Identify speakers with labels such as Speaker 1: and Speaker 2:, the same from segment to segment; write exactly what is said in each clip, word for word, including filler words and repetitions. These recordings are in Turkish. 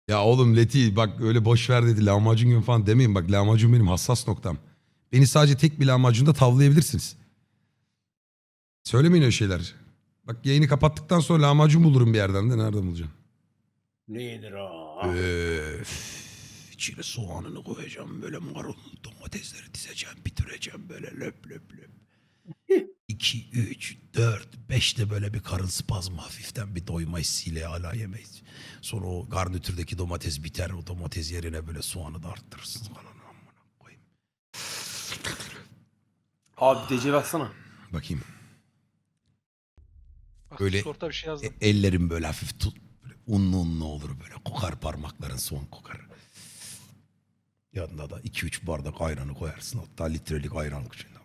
Speaker 1: Ya oğlum Leti bak öyle boş ver dedi lahmacun gibi falan demeyin. Bak lahmacun benim hassas noktam. Beni sadece tek bir lahmacunda tavlayabilirsiniz. Söylemeyin öyle şeyler. Bak yayını kapattıktan sonra lahmacun bulurum bir yerden de nerede bulacağım?
Speaker 2: Ne yenir o?
Speaker 1: Öf. İçine soğanını koyacağım böyle marul domatesleri dizeceğim bitireceğim böyle löp löp löp. iki, üç, dört, beş de böyle bir karın spazmı hafiften bir doyma hissiyle hala yemeyiz. Sonra o garnitürdeki domates biter o domates yerine böyle soğanı da arttırırsın.
Speaker 2: Abi D C baksana.
Speaker 1: Bakayım.
Speaker 3: Bak,
Speaker 1: Böyle
Speaker 3: Discord'da bir şey yazdım.
Speaker 1: e- ellerim böyle hafif tut, böyle unlu unlu olur böyle kokar parmakların son kokar. Yanında da iki üç bardak ayranı koyarsın hatta litrelik ayran içinde.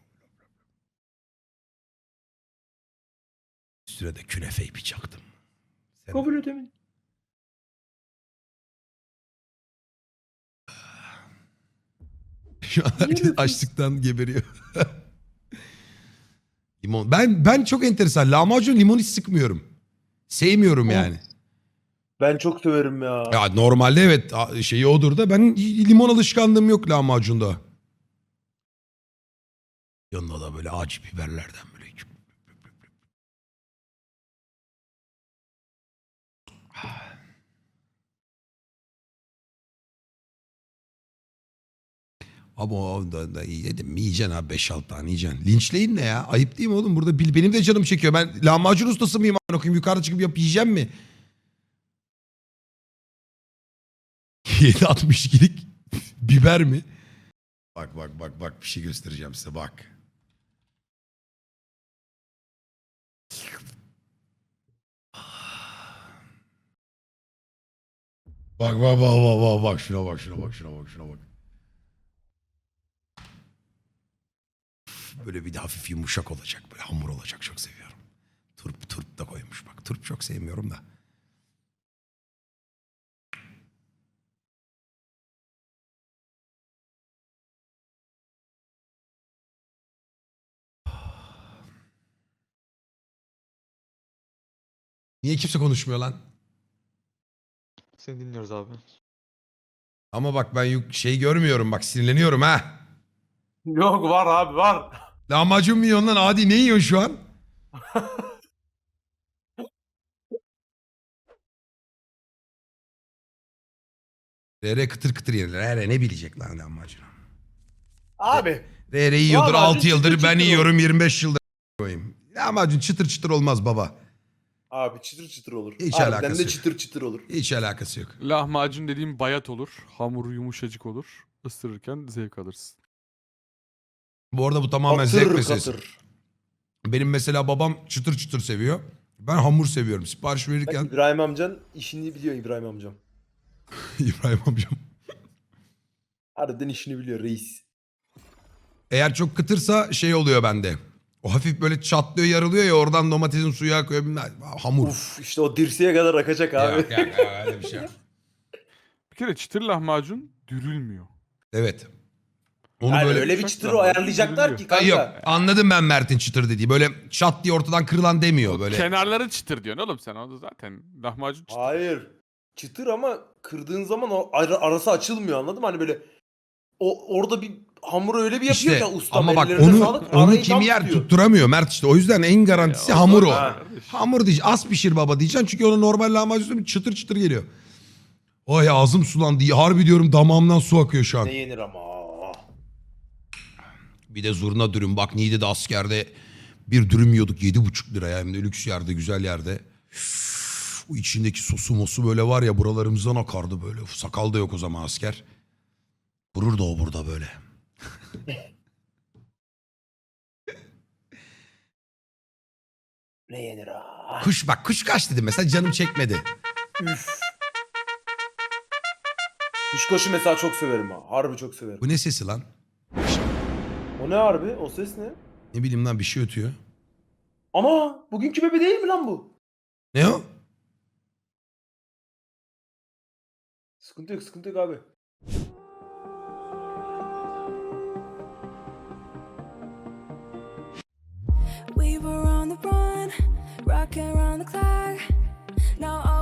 Speaker 1: Üstüne de künefeyi bir çaktım. Sen-
Speaker 2: Kabul edemin.
Speaker 1: Şu an herkes
Speaker 2: Niye
Speaker 1: açlıktan geberiyor. Limon. Ben ben çok enteresan. Lahmacun limon hiç sıkmıyorum. Sevmiyorum
Speaker 2: Oh.
Speaker 1: yani.
Speaker 2: Ben çok severim ya.
Speaker 1: Ya normalde evet a- şeyi odur da ben limon alışkanlığım yok lahmacunda. Yanında da böyle acı biberlerden böyle. Ama o da, da yedim mi yiyeceksin abi beş altı tane yiyeceksin. Linçleyin ne ya? Ayıp değil mi oğlum? Burada bil- benim de canım çekiyor. Ben lahmacun ustası mıyım? a**ına koyayım? Yukarıda çıkıp yap yiyeceğim mi? yedi altmış ikilik biber mi? Bak bak bak bak bir şey göstereceğim size bak. Bak bak bak bak bak bak şuna bak şuna bak şuna bak şuna bak. Böyle bir de hafif yumuşak olacak böyle hamur olacak çok seviyorum. Turp turp da koymuş bak turp çok sevmiyorum da. Niye kimse konuşmuyor lan?
Speaker 4: Seni dinliyoruz abi.
Speaker 1: Ama bak ben yuk- şey görmüyorum bak sinirleniyorum ha.
Speaker 2: Yok var abi var.
Speaker 1: Lahmacun mu yiyorsun lan Adi ne yiyorsun şu an? R R kıtır kıtır yenir. R R ne bilecek lan lahmacun?
Speaker 2: Abi.
Speaker 1: R R yiyordur
Speaker 2: Lahmacun
Speaker 1: altı yıldır
Speaker 2: çıtır
Speaker 1: ben
Speaker 2: çıtır
Speaker 1: yiyorum yirmi beş yıldır koyayım. Lahmacun çıtır çıtır olmaz baba.
Speaker 2: Abi çıtır çıtır olur.
Speaker 1: Hiç
Speaker 2: Harbiden
Speaker 1: alakası
Speaker 2: de
Speaker 1: yok.
Speaker 2: çıtır çıtır olur.
Speaker 1: Hiç alakası yok.
Speaker 5: Lahmacun dediğim bayat olur. Hamuru yumuşacık olur. Isırırken zevk alırsın.
Speaker 1: Bu arada bu tamamen zevk
Speaker 2: Katır
Speaker 1: meselesi.
Speaker 2: katır.
Speaker 1: Benim mesela babam çıtır çıtır seviyor. Ben hamur seviyorum. Sipariş
Speaker 2: Bak,
Speaker 1: verirken
Speaker 2: İbrahim amcan işini biliyor İbrahim amcam.
Speaker 1: İbrahim amcam.
Speaker 2: Harbiden işini biliyor reis.
Speaker 1: Eğer çok kıtırsa şey oluyor bende. O hafif böyle çatlıyor yarılıyor ya oradan domatesin suyu akıyor. bilmem- Hamur.
Speaker 2: Uf işte o dirseğe kadar akacak abi.
Speaker 1: Yok, yok, yok, öyle bir şey yok.
Speaker 5: Bir kere çıtır lahmacun dürülmüyor.
Speaker 1: Evet. Onu
Speaker 2: Yani
Speaker 1: böyle...
Speaker 2: öyle bir
Speaker 5: Uçak
Speaker 2: çıtır
Speaker 5: lahmacun
Speaker 2: ayarlayacaklar ki
Speaker 1: Ha,
Speaker 2: kanka.
Speaker 1: yok anladım ben Mert'in çıtır dediği. Böyle çat diye ortadan kırılan demiyor böyle.
Speaker 5: Kenarları çıtır diyorsun oğlum sen. O da zaten lahmacun çıtır.
Speaker 2: Hayır. Çıtır ama kırdığın zaman o ara- arası açılmıyor anladın mı? Hani böyle o orada bir hamuru öyle bir yapıyor
Speaker 1: İşte
Speaker 2: ki ustam
Speaker 1: ama bak
Speaker 2: ellerine
Speaker 1: onu
Speaker 2: sağlık,
Speaker 1: onu
Speaker 2: arayı
Speaker 1: kim
Speaker 2: tam
Speaker 1: yer
Speaker 2: tutuyor.
Speaker 1: tutturamıyor Mert işte. O yüzden en garantisi
Speaker 5: Ya, o
Speaker 1: hamur o.
Speaker 5: zor
Speaker 2: Ha.
Speaker 5: kardeş.
Speaker 1: Hamur diyeceksin. Az pişir baba diyeceksin. Çünkü onun normal lahmacun çıtır çıtır geliyor. Ay ağzım sulandı. Harbi diyorum damağımdan su akıyor şu an.
Speaker 2: Ne yenir ama.
Speaker 1: Bir de zurna dürüm. Bak Niğde'de askerde bir dürüm yiyorduk yedi buçuk liraya. Hem de lüks yerde güzel yerde. Üf, o içindeki sosu mosu böyle var ya buralarımızdan akardı böyle. Sakal da yok o zaman asker. Vurur da o burada böyle.
Speaker 2: Ne yenir ha?
Speaker 1: Kuş bak kuş kaç dedim mesela canım çekmedi.
Speaker 2: Üf. Kuşkaşı mesela çok severim ha. Harbi çok severim.
Speaker 1: Bu ne sesi lan?
Speaker 2: O ne harbi? O ses ne?
Speaker 1: Ne bileyim lan bir şey ötüyor.
Speaker 2: Ama bugünkü bebe değil mi lan bu?
Speaker 1: Ne o?
Speaker 2: Sıkıntı yok, sıkıntı yok abi.
Speaker 6: We were on the run, rocking around the clock. Now all